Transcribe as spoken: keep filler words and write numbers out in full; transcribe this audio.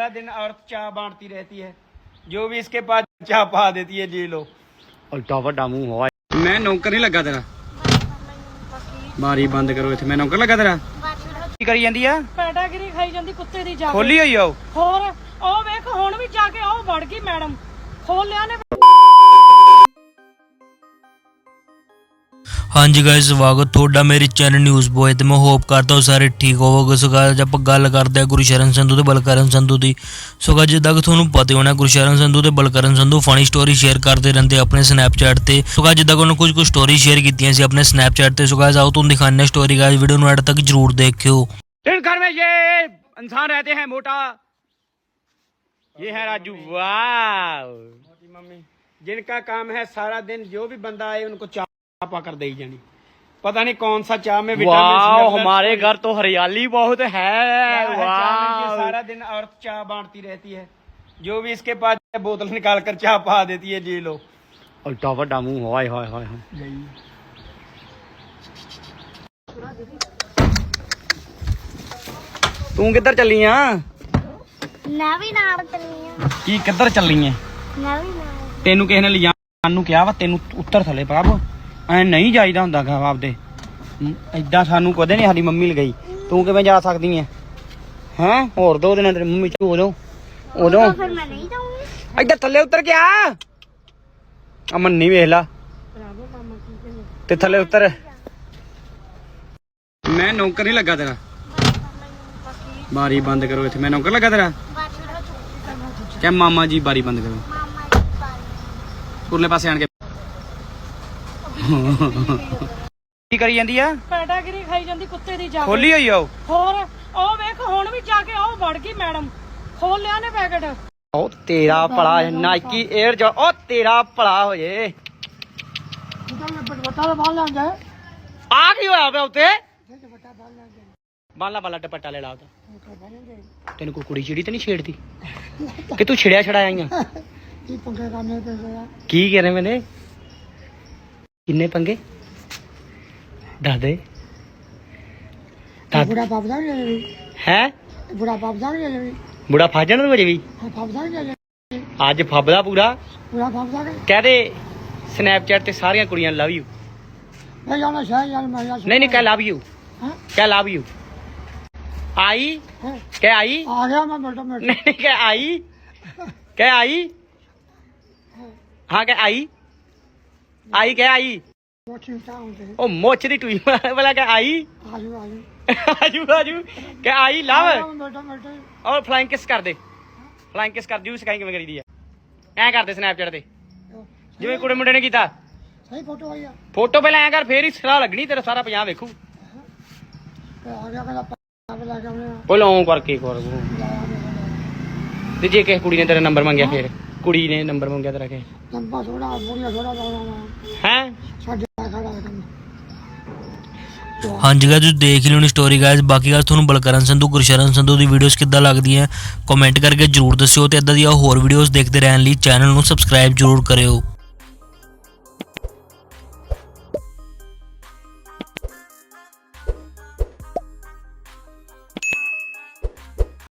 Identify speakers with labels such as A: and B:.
A: सारा दिन औरत चाय बांटती रहती है, जो भी इसके पास चाय पा देती है। जी लो उल्टा वड्डा मुंह होया। मैं नौकर नहीं लगा तेरा, बारी बंद करो इत्थे। मैं नौकर लगा तेरा की करी जांदी आ,
B: ਪੈਟਾਗਰੀ ਖਾਈ ਜਾਂਦੀ ਕੁੱਤੇ ਦੀ ਜਾ
A: खोली हुई आओ।
B: ਹੋਰ ਉਹ ਵੇਖ ਹੁਣ ਵੀ ਜਾ ਕੇ ਉਹ ਵੜ ਗਈ ਮੈਡਮ, ਖੋਲ ਲਿਆ ਨੇ।
C: हाँ जी गाइस, स्वागत थोड़ा मेरे चैनल न्यूज़ बॉय ते मैं होप करता हूँ सारे ठीक होवोगे। सो गाइस आप गल करते हैं गुरशरण संधू ते बलकरण संधू की। सो गाइस जिद्दां कि तुहानूं पता होना गुरशरण संधू ते Balkaran Sandhu funny story share करते रहते अपने स्नैपचैट ते। सो गाइस जिद्दां कि उन्होंने कुछ कुछ स्टोरी शेयर कीतियां सी अपने स्नैपचैट ते। सो गाइस आओ तुहानूं दिखाने स्टोरी, गाइस वीडियो नूं एंड तक जरूर देखियो।
A: जिस घर में ये इंसान रहते हैं मोटा, ये है राजू। वाह मोटी मम्मी, जिनका काम है सारा दिन जो भी बंदा आए उनको चाय पा कर दे जानी। पता नहीं कौन सा चाय में विटामिन।
D: हमारे घर तो हरियाली बहुत है।
A: वाह सारा दिन औरत चाय बांटती रहती है, जो भी इसके पास बोतल निकाल कर चाय पा देती है। जी लो
D: उल्टा वड्डा मुंह होया होया होया।
A: तू किधर चली आ?
E: मैं भी नाल चली आ।
A: की किधर चली है?
E: मैं भी नाल।
A: तेनू किसी ने लिजाण नूं कहा वा, तेनू उत्तर थले प्रभ ਐ ਨਹੀਂ ਜਾਈਦਾ ਹੁੰਦਾ ਗਾ ਆਪਦੇ। ਐਦਾਂ ਸਾਨੂੰ ਕਦੇ ਨਹੀਂ ਸਾਡੀ ਮੰਮੀ ਲਗਾਈ, ਤੂੰ ਕਿਵੇਂ ਜਾ ਸਕਦੀ ਐ? ਹੈਂ ਹੋਰ ਦੋ ਦਿਨਾਂ ਤੇਰੀ ਮੰਮੀ ਚ ਉਦੋਂ ਉਦੋਂ
E: ਫਿਰ ਮੈਂ ਨਹੀਂ ਜਾਊਂਗੀ।
A: ਇੱਧਰ ਥੱਲੇ ਉਤਰ ਕੇ ਆ। ਅਮਨ ਨਹੀਂ ਵੇਖ ਲਾ ਤੇ ਥੱਲੇ ਉਤਰ। ਮੈਂ ਨੌਕਰ ਨਹੀਂ ਲੱਗਾ ਤੇਰਾ, ਬਾਰੀ ਬੰਦ ਕਰੋ ਇੱਥੇ। ਮੈਂ ਨੌਕਰ ਲੱਗਾ ਤੇਰਾ ਕਿ ਮਾਮਾ ਜੀ? ਬਾਰੀ ਬੰਦ ਕਰੋ।
E: ਮਾਮਾ ਜੀ ਬਾਰੀ
A: ਉਰਲੇ ਪਾਸੇ ਆਣ ਕੇ ਕੀ ਕਰੀ ਜਾਂਦੀ ਆ?
B: ਪੈਟਾਗਰੀ ਖਾਈ ਜਾਂਦੀ ਕੁੱਤੇ ਦੀ ਜਾ
A: ਖੋਲੀ ਹੋਈ ਆਓ।
B: ਹੋਰ ਉਹ ਵੇਖ ਹੁਣ ਵੀ ਜਾ ਕੇ ਉਹ ਵੜ ਗਈ ਮੈਡਮ, ਖੋਲ ਲਿਆ ਨੇ ਪੈਕਟ।
A: ਉਹ ਤੇਰਾ ਭਲਾ ਨਾਈਕੀ 에ਅਰ ਜੋ, ਉਹ ਤੇਰਾ ਭਲਾ ਹੋ ਜੇ। ਆ ਕੀ ਹੋਇਆ ਪਿਆ ਉੱਤੇ? ਬਾਲਾ ਬਾਲਾ ਦੁਪੱਟਾ ਲੈ ਲਾ ਉਹਦਾ। ਤੈਨੂੰ ਕੋਈ ਕੁੜੀ ਚਿੜੀ ਤੇ ਨਹੀਂ ਛੇੜਦੀ ਕਿ ਤੂੰ ਛਿੜਿਆ ਛੜਾਇਆ ਆਈਆਂ? ਕੀ ਕਹਿ ਰਹੇ ਮੈਨੇ? ਕਿੰਨੇ ਪੰਗੇ ਦੱਸ ਦੇ।
F: ਬੁੜਾ ਪਾਪਦਾ ਨਹੀਂ
A: ਹੈ
F: ਬੁੜਾ ਪਾਪਦਾ ਨਹੀਂ
A: ਬੁੜਾ ਫਸ ਜਾਣਾ ਤੂੰ ਅਜੇ ਵੀ?
F: ਹਾਂ ਪਾਪਦਾ ਨਹੀਂ
A: ਅੱਜ ਫੱਬਦਾ ਪੂਰਾ।
F: ਬੁੜਾ ਪਾਪਦਾ ਨਹੀਂ
A: ਕਹਿ ਦੇ ਸਨੈਪਚੈਟ ਤੇ ਸਾਰੀਆਂ ਕੁੜੀਆਂ ਲਵ ਯੂ।
F: ਮੈਂ ਜਾਣਾ ਸ਼ਾਇਦ ਯਾਰ ਮੈਂ
A: ਨਹੀਂ ਨਹੀਂ ਕਹਿ ਲਵ ਯੂ,
F: ਹਾਂ
A: ਕਹਿ ਲਵ ਯੂ। ਆਈ ਕਹਿ ਆਈ।
F: ਆ ਗਿਆ ਮੈਂ ਮਿੰਟੋ ਮਿੰਟ।
A: ਨਹੀਂ ਨਹੀਂ ਕਹਿ ਆਈ, ਕਹਿ ਆਈ। ਹਾਂ ਕਹਿ ਆਈ, ਆਈ ਕਹਿ ਆਈ। ਉਹ ਮੁੱਛ ਦੀ ਟੂਈ ਵਾਲਾ ਕਹਿ ਆਈ।
F: ਆਜੂ ਆਜੂ
A: ਆਜੂ ਆਜੂ ਕਹਿ ਆਈ ਲਵ।
F: ਮਿੰਟੋ ਮਿੰਟ।
A: ਔਰ ਫਲਾਈਂਗ ਕਿਸ ਕਰ ਦੇ, ਫਲਾਈਂਗ ਕਿਸ ਕਰ। ਜੂ ਸਿਖਾਈ ਕਿਵੇਂ ਕਰੀਦੀ ਆ? ਐਂ ਕਰਦੇ ਸਨੈਪਚੈਟ ਤੇ ਜਿਵੇਂ ਕੁੜੇ ਮੁੰਡੇ ਨੇ ਕੀਤਾ।
F: ਸਹੀ ਫੋਟੋ ਆਈ ਆ।
A: ਫੋਟੋ ਪਹਿਲਾਂ ਐਂ ਕਰ, ਫੇਰ ਹੀ ਸਲਾਹ ਲੱਗਣੀ, ਤੇਰਾ ਸਾਰਾ ਪੰਜਾਬ ਵੇਖੂ।
F: ਆ ਗਿਆ ਕਹਿੰਦਾ ਪਾਪ ਲਾ ਕੇ ਆਉਣੇ
A: ਉਹ ਲੌਂ ਕਰਕੇ ਕਰ। ਤੇ ਜੇ ਕਿਸੇ ਕੁੜੀ ਨੇ ਤੇਰਾ ਨੰਬਰ ਮੰਗਿਆ, ਫੇਰ ਕੁੜੀ ਨੇ ਨੰਬਰ ਮੰਗਿਆ ਤੇਰਾ ਕਿ
F: ਲੰਬਾ ਥੋੜਾ ਬੁੜੀਆ ਥੋੜਾ ਲਾਉਣਾ
A: ਹੈ?
F: ਸਾਡੇ ਖੜਾ ਕੰਮ।
C: हाँ जी गाइस तुसीं देख ही लियो स्टोरी गाइस। बाकी गाइस तुहानूं बलकरण संधू गुरशरण संधू दी वीडियोस किद्दां लगदियां कमेंट करके जरूर दस्सिओ ते इदां दी होर वीडियोस देखदे रहण लई चैनल नूं सबसक्राइब जरूर करियो।